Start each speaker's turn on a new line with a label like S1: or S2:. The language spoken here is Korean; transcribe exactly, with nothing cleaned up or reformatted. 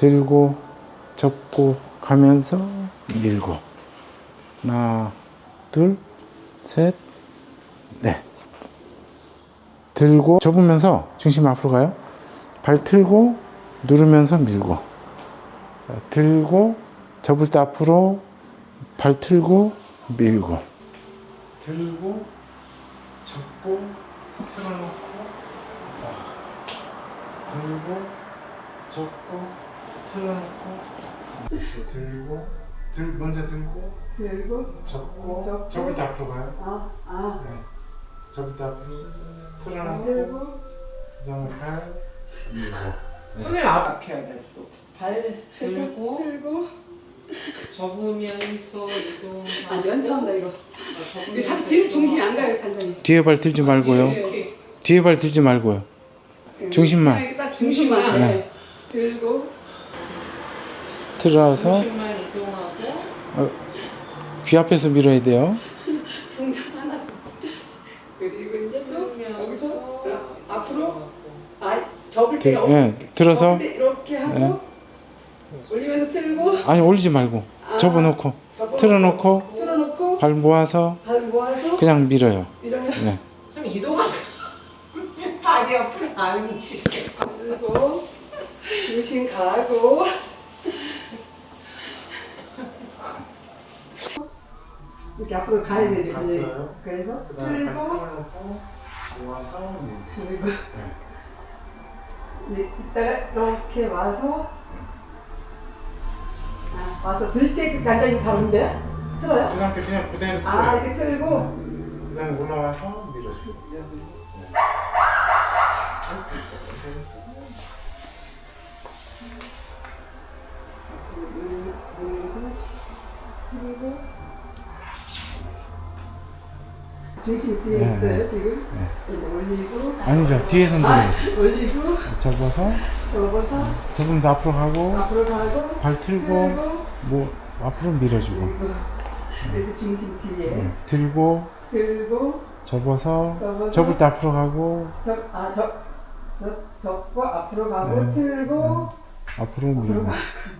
S1: 들고 접고 가면서 밀고. 하나, 둘, 셋, 넷. 들고 접으면서 중심 앞으로 가요. 발 틀고 누르면서 밀고. 자, 들고 접을 때 앞으로 발 틀고 밀고. 들고 접고 틀어놓고. 들고 접고 틀어놓고. 들고 들 먼저 들고
S2: 들고
S1: 접고
S2: 접고.
S1: 접을 때 앞으로 가요.
S2: 아, 아.
S1: 네. 접을 때 앞으로 틀어놓고
S2: 들고
S1: 그다음에 발 밀고.
S3: 손을 앞에 해야 돼 또.
S2: 발 해서
S3: 들고.
S2: 들고.
S3: 접으면서 이동.
S2: 아, 연타한다 이거. 이거
S3: 접으면서
S2: 자꾸 뒤로 중심이 안 가요, 간단히.
S1: 뒤에 발 들지 말고요.
S3: 이렇게.
S1: 뒤에 발 들지 말고요. 중심만.
S2: 이렇게 딱 중심만.
S3: 중심만.
S2: 네. 들고.
S1: 틀어서
S3: 중심만 이동하고.
S1: 귀 앞에서 밀어야 돼요.
S2: 동작 하나 더. 그리고 이제 또 여기서
S3: 들면서
S2: 앞으로. 아, 접을
S1: 들,
S2: 때가
S1: 예, 들어서
S2: 접을 때 이렇게 하고 올리면서 틀고.
S1: 아니 올리지 말고
S2: 아,
S1: 접어놓고
S2: 접어놓고,
S1: 틀어놓고
S2: 틀어놓고
S1: 발 모아서
S2: 발 모아서
S1: 그냥 밀어요.
S2: 밀어요.
S1: 네.
S3: 좀 이동하고. 발이 앞으로 안 움직여.
S2: 그리고 중심 가고. 이렇게 앞으로 가야 되죠. 이제.
S1: 갔어요.
S2: 그래서
S1: 그다음에 발
S2: 틀고
S1: 틀어놓고 모아서 밀고.
S2: 그리고 이제 이따가 이렇게 와서 아, 와서 들 때 간단히 가는데 틀어요?
S1: 그 상태 그냥 그대로
S2: 아,
S1: 틀어요.
S2: 이렇게 틀고
S1: 그다음에 올라와서 밀어주고.
S2: 그리고 중심 뒤에
S1: 네,
S2: 있어요
S1: 네.
S2: 지금. 이제 올리고
S1: 아니죠. 뒤에서
S2: 아,
S1: 밀어요.
S2: 올리고
S1: 접어서
S2: 접어서
S1: 접으면서 앞으로 가고
S2: 앞으로 가고
S1: 발 틀고
S2: 틀고
S1: 뭐 앞으로 밀어주고.
S2: 그리고 이렇게 중심 뒤에
S1: 네. 들고
S2: 들고
S1: 접어서
S2: 접어서
S1: 접을 때 앞으로 가고
S2: 접아접 접고 앞으로 가고
S1: 네.
S2: 틀고
S1: 앞으로
S2: 앞으로
S1: 밀고.
S2: 가고